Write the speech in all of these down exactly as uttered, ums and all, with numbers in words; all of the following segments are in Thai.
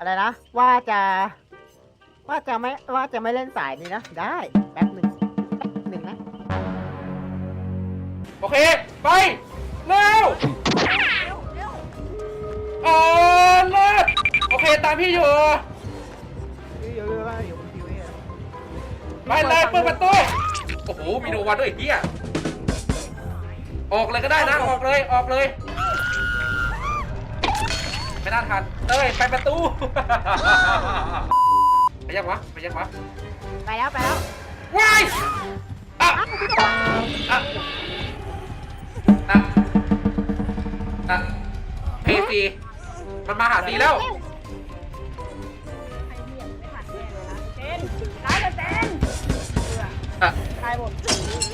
อะไรนะว่าจะว่าจะไม่ว่าจะไม่เล่นสายนี้นะได้แป๊บหนึ่งแป๊บหนึ่งนะโอเคไปเร็วเออเลิศโอเคตามพี่อยู่เยอะๆว่าอยู่บนทีวีอะไปเลยเปิดประตูโอ้โหมีโนวันด้วยไอ้เฮียออกเลยก็ได้นะออกเลยออกเลยไม่น่าทันเต้ยไปประตูไปยังวะไปยังวะไปแล้วไปแล้วว้ายอ่ะอ่ะอ่ะอ่ะเพซีมันมาหาซีแล้วใครเหยียบไม่ทันแน่เลยนะเจนตายแล้วเจนเบื่ออ่ะตายหมด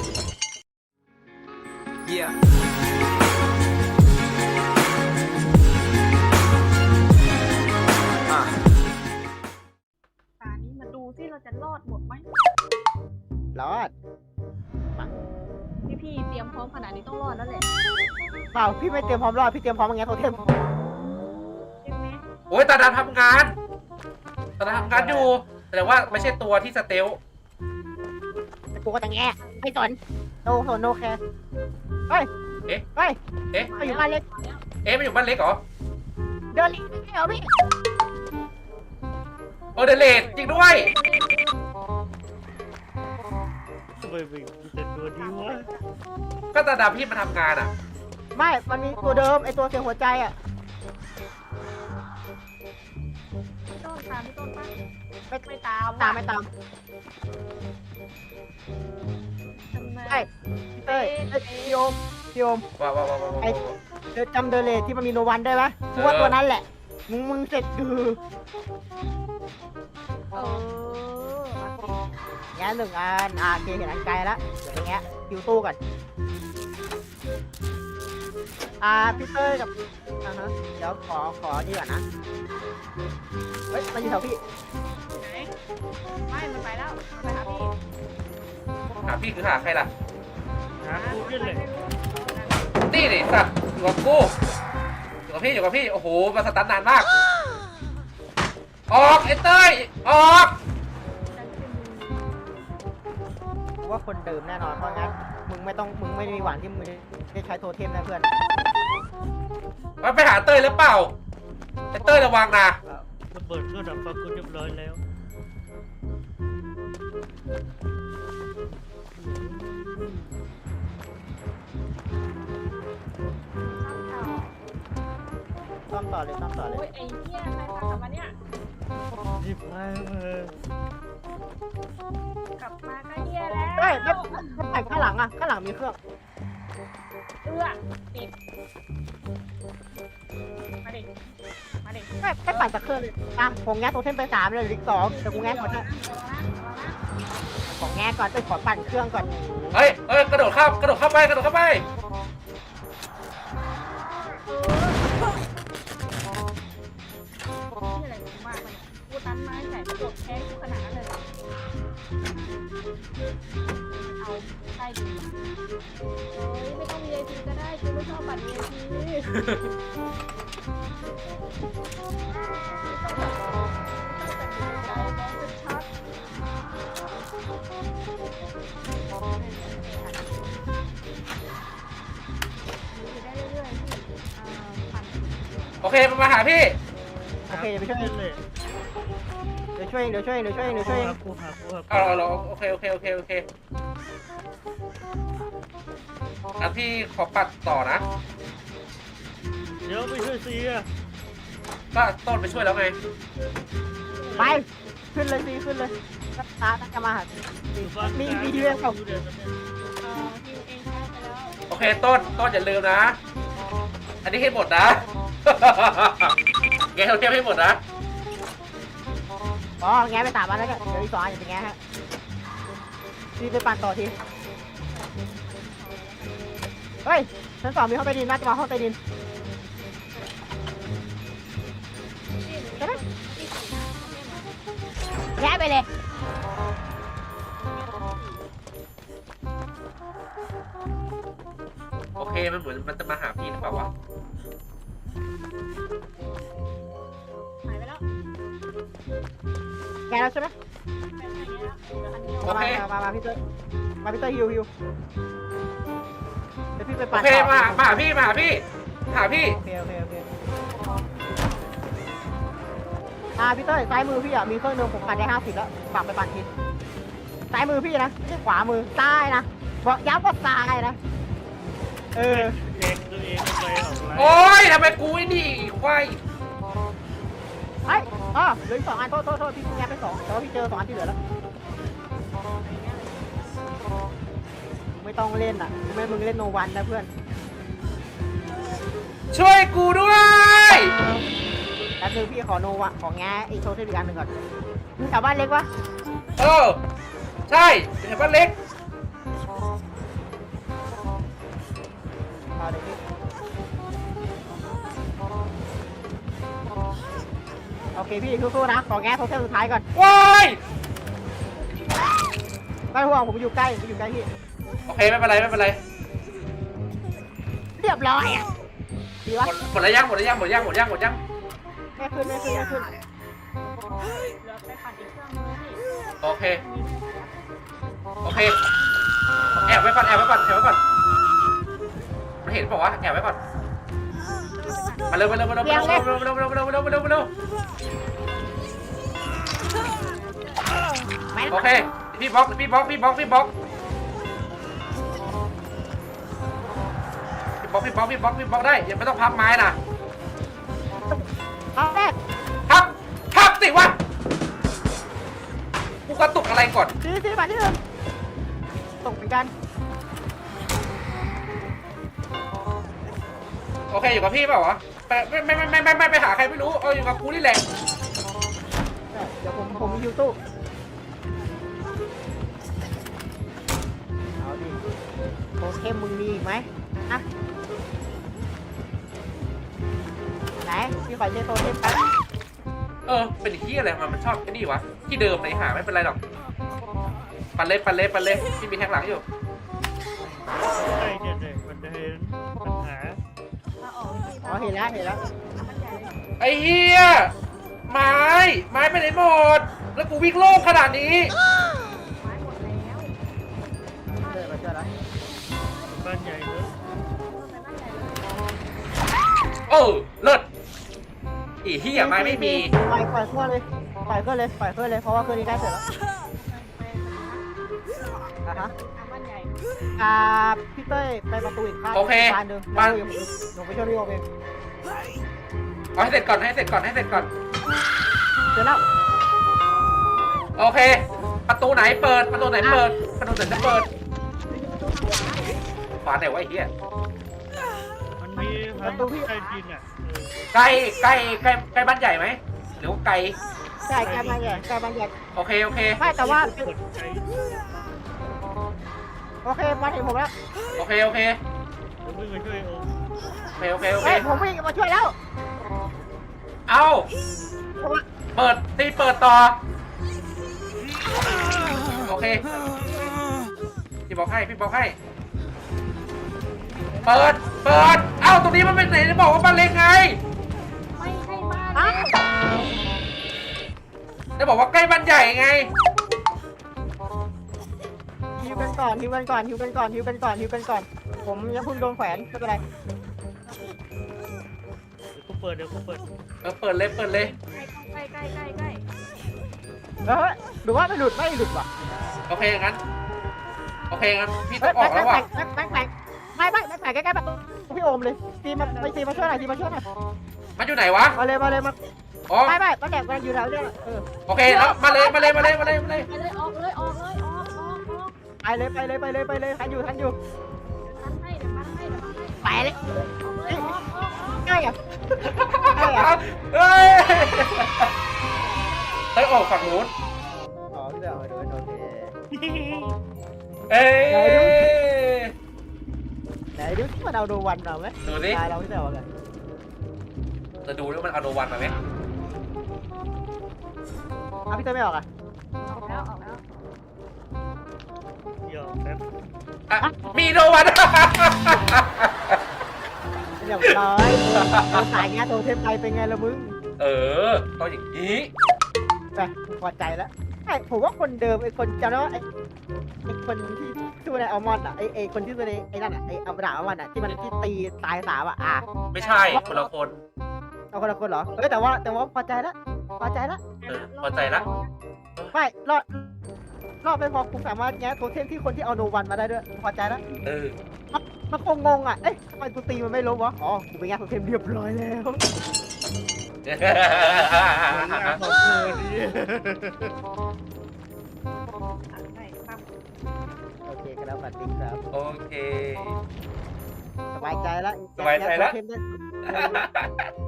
Yeah. ตานี้มาดูที่เราจะรอดหมดไหมรอดพี่พี่ๆเตรียมพร้อมขนาดนี้ต้องรอดแล้วแหละเปล่าพี่ไม่เตรียมพร้อมรอดพี่เตรียมพร้อมอย่างเงี้ยโทเทมใช่ไหมโอ้ยตาดำทำงานตาดำทำงานอยู่แต่ว่าไม่ใช่ตัวที่สเตลแต่กูก็จะแง่ไม่สนโนโนโนแคร์เฮ้ยเอ๊ะเฮ้ยเอ๊ะมาอยู่บ้านเล็กเอ๊ะมันอยู่บ้านเล็กเหรอเดินลิไม่เอาพี่เออเดเลดจริงด้วยทำไมไม่แต่ตัวนี้วะก็ตาดำพี่มาทำงานอ่ะไม่มันมีตัวเดิมไอตัวเสียงหัวใจอ่ะพี่ต้นตามพี่ต้นปะไม่ไม่ตามตามไม่ตามทำไมใช่พี่เต้ยเอ้ยพี่โอมพี่โอมว้าวว้าวว้าวว้าวไอเดินจำเดเลทที่มันมีโนวันได้ไหมกูว่าตัวนั้นแหละมึงมึงเสร็จคือเออมาสิแง่หนึ่งอันอ่าโอเคเห็นอันไกลแล้วเดี๋ยวไปแง่คิวตู้ก่อนอ่าพี่เต้ยกับอ่าฮะเดี๋ยวขอขอนี่ก่อนนะเฮ้ยมันอยู่แถวพี่ไหนไม่มันไปแล้วมันไปหาพี่หาพี่คือหาใครล่ะหากูนี่แหละนี่ดิสัตว์อยู่กับกูอยู่กับพี่อยู่กับพี่โอ้โหมาสตันนานมากออกไอ้เต้ยออกกูว่าคนเดิมแน่นอนเพราะงั้นมึงไม่ต้องมึงไม่มีหวังที่มึงจะใช้โทเทมนะเพื่อนมันไปหาเต้ยหรือเปล่าไอ้เต้ยระวังนะระเบิดก็ดับฟังกูเรียบร้อยแล้วซ่อมต่อเลยซ่อมต่อเลโอ้ยยไอ้เหี้ยใครพากลับมาเนี่ยรีบไปเถอะกลับมาก็เหี้ยแล้วเฮ้ยไม่ไม่แต่งข้างหลังอ่ะข้างหลังมีเครื่องเอื้อติดมาดิมาดิไม่ไม่ปั่นจากเครื่องเลยอ่ะผมแง่โทเทมไปสามเลยเหลืออีกสองแต่กูแง่ก่อนนะของแง่ก่อนไปขอปั่นเครื่องก่อนเฮ้ยเฮ้ยกระโดดเข้ากระโดดเข้าไปกระโดดเข้าไปนี่อะไรกูมากเลยกูตันไม้ใส่กระโดดแค้นกูขนาดนั้นเลยเหรอเอาใต้ดินเฮ้ยไม่ต้อง วี ไอ พี ก็ได้กูไม่ชอบบัตร วี ไอ พีโอเคมันมาหาพี่โอเคเดี๋ยวไปช่วยเองเลยเดี๋ยวช่วยเองเดี๋ยวช่วยเองเดี๋ยวช่วยเองเดี๋ยวช่วยเองหากูหากูหากูเอาเราโอเคโอเคโอเคโอเคอ่ะพี่ขอปัดต่อนะเดี๋ยวไปช่วยซีอะก็ต้นไปช่วยแล้วไงไปขึ้นเลยซีขึ้นเลยตาตาจะมาหาซีอยู่บ้านมีมีที่เรื่องเขาอยู่เดี๋ยวนี้เอ่อฮิวเองใช้ไปแล้วโอเคต้นต้นอย่าลืมนะ อันนี้ให้หมดนะ แกเราเทียบให้หมดนะอ๋อแง่ไปสามอันแล้วเนี่ยเดี๋ยวอีกสองอันอย่าไปแง่ฮะซีไปปั่นต่อทีเฮ้ยชั้นสองมีห้องใต้ดินน่าจะมาห้องใต้ดินใช่ไหมแง่ไปเลยโอเคมันเหมือนมันจะมาหาพี่หรือเปล่าวะหายไปแล้วแกแล้วใช่ไหมโอมาเคมามามาพี่เต้ยมาพี่เต้ยฮิวฮิวเดี๋ยวพี่ไปโอปั่นเคต่อมามาหาพี่มาหาพี่หาพี่โอเคโอเคโอเคอ่าพี่เต้ยซ้ายมือพี่อ่ะมีเครื่องนึงผมปั่นได้ห้าสิบแล้วฝากไปปั่นทีซ้ายมือพี่นะไม่ใช่ขวามือซ้ายนะบอกย้ำว่าซ้ายนะเออเองตัวเองไม่เคยออกไลน์โอ้ยทำไมกูไอ้นี่ควายไอ้อ๋อเหลืออีกสองอันโทษโทษโทษพี่แงไปสองแต่ว่าพี่เจอสองอันที่เหลือแล้วไม่ต้องเล่นอ่ะไม่มึงเล่นโนวันนะเพื่อนช่วยกูด้วยแล้วคือพี่ขอโนวะของแงไอโชว์เทปอีกอันหนึ่งก่อนมึงแถวบ้านเล็กวะเออใช่เห็นบ้านเล็กเอาเดี๋ยวพี่โอเคพี่สู้ๆนะขอแงโทเทปสุดท้ายก่อนว้ายไม่ห่วงผมอยู่ใกล้ผมอยู่ใกล้พี่โอเคไม่เป็นไรไม่เป็นไรเรียบร้อยอ่ะดีหวะมดหมดแล้วยังหมดแล้วยังหมดยังหมดยังหมดยังแม่ขึ้นแม่ขึ้นแม่ขึ้นเหลือไปปั่นอีกเครื่องนึงนี่โอเคโอเคแอบไว้ก่อนแอบไว้ก่อนแอบไว้ก่อนมันเห็นบอกว่าแอบไว้ก่อนมาเร็วมาเร็วมาเร็วมาเร็วมาเร็วมาเร็วมาเร็วมาเร็วมาเร็วมาเร็วมาเร็วไม่โอเคพี่บล็อกพี่บล็อกพี่บล็อกพี่บล็อกพี่บล็อกพี่บล็อกพี่บล็อกพี่บล็อกได้ยังไม่ต้องพับไม้นะเอาแรกพับพับสิวะกูกระตุกอะไรก่อนซีซีมาที่หนึ่งตกเหมือนกันโอเคอยู่กับพี่เปล่าวะไปไม่ไม่ไม่ไม่ไม่ไปหาใครไม่รู้เอาอยู่กับกูนี่แหละเดี๋ยวผมผมมีฮิวตู้เอาดิโทเทมมึงมีอีกไหมอะไหนพี่ขอเช็คโทเทมแป๊บเออเป็นที่อะไรมันมันชอบไอ้นี่วะที่เดิมไหนหาไม่เป็นไรหรอกปันเล็ปันเล็ปันเล็ที่มีแทงหลังอยู่ใช่เนี่ยเนี่ยมันจะเห็นปัญหาถ้าออกที่อ๋อเห็นแล้วเห็นแล้วมันใหญ่เลยไอ้เฮียไม้ไม้ไปไหนหมดแล้วกูวิ่งโล่งขนาดนี้ไม้หมดแล้วเจอมาเจอแล้วบ้านใหญ่เนอะไปบ้านใหญ่เลยเออเลิศอีเฮียไม้ไม่มีปล่อยปล่อยเครื่องเลยปล่อยเครื่องเลยปล่อยเครื่องเลยเพราะว่าเครื่องนี้ใกล้เสร็จแล้วไปอ่ะฮะทางบ้านใหญ่อ่าพี่เต้ยไปประตูอีกข้างโอเคบานหนึ่งบ้านแล้วหนูไปช่วยพี่โอมเองเอาให้เสร็จก่อนให้เสร็จก่อนให้เสร็จก่อนเจอแล้วโอเค ประตูไหนเปิดประตูไหนเปิดประตูไหนจะเปิดขวาไหนวะไอ้เฮียมันมีทางใต้ดินอ่ะเออใกล้ใกล้ใกล้ใกล้บ้านใหญ่ไหมหรือว่าไกลใช่ใกล้บานใหญ่ใกล้บานใหญ่โอเคโอเคไม่แต่ว่าเปิดใจโอเคมาถึงผมแล้วโอเคโอเคเดี๋ยวมึงมาช่วยโอมโอเคโอเคโอเคเฮ้ยผมวิ่งมาช่วยแล้วเอาผมว่าเปิดตีเปิดต่อโอเคพี่บอกให้พี่บอกให้เปิดเปิดเอ้าตรงนี้มันเป็นไหนจะบอกว่าบ้านเล็กไงไม่ใช่บ้านอ้าเล็กจะบอกว่าใกล้บ้านใหญ่ไงฮิวกันก่อนฮิวกันก่อนฮิวกันก่อนฮิวกันก่อนฮิวกันก่อน ผมยังเพิ่งโดนแขวนไม่เป็นไรเดี๋ยวกูเปิดเดี๋ยวกูเปิดเออเปิดเลยเปิดเลยใกล้ใกล้ใกล้ใกล้เออหรือว่าไม่หลุดไม่หลุดว่ะโอเคงั้นโอเคงั้นพี่ต้เฮ้อย งออกแล้วว่ะแม่งแม่งไม่ไม่ไม่แข่งใกล้ๆแบบพี่โอมเลยตีมาไปตีมาช่วยหน่อยตีมาช่วยหน่อยมันอยู่ไหนวะมาเลยมาเลยมาอ๋อไม่ไม่มาแดกมันอยู่แถวเนี้ยเออโอเคแล้วมาเลยมาเลยมาเลยมาเลยมาเลยไปเลยออกเลยออกเลยออกออกออกไปเลยไปเลยไปเลยไปเลยทันอยู่ทันอยู่ทันให้เดี๋ยวทันให้เดี๋ยวทันให้ไปเลยออกเลยออกออกออกง่ายอ่ะง่ายอ่ะเฮ้ยเฮ้ยออกฝั่งนู้นอ๋อพี่เบลโดนโอเคเอ้ยไหนดูที่มันเอาโดวันเราไหมดูสิตายเราพี่เบลกันจะดูว่ามันเอาโนวันมาไหมอ่ะพี่เต้ไม่ออกอ่ะออกแล้วออกแล้วหยอกแป๊บอ่ะมีโนวันเรียบร้อยเราสายงานโทรเทมไปเป็นไงละมึงเออต้องอย่างนี้ไปพอใจแล้วไอ้ผมว่าคนเดิมไอ้คนจำได้ว่าไอ้ไอ้คนที่ชื่ออะไรอัลมอนด์อ่ะไอ้ไอ้คนที่ชื่ออะไรไอ้นั่นอ่ะไอ้อัลดาอัลมอนด์อ่ะที่มันที่ตีตายสามอ่ะอ่ะไม่ใช่คนละคนเอาคนละคนเหรอเออแต่ว่าแต่ว่าพอใจแล้วพอใจแล้วเออพอใจละไม่รอดรอดไม่พอคุณสามารถแง้โทเทมที่คนที่เอาโนวันมาได้ด้วยพอใจแล้วเออมันคงงงอ่ะเอ๊ะทำไมกูตีมันไม่ล้มวะอ๋อกูไปแง้โทเทมเรียบร้อยแล้วขอบคุณดิไม่ครับโอเคกันแล้วสวัสดีครับโอเคสบายใจแล้วสบายใจแล้วแง้โทเทมได้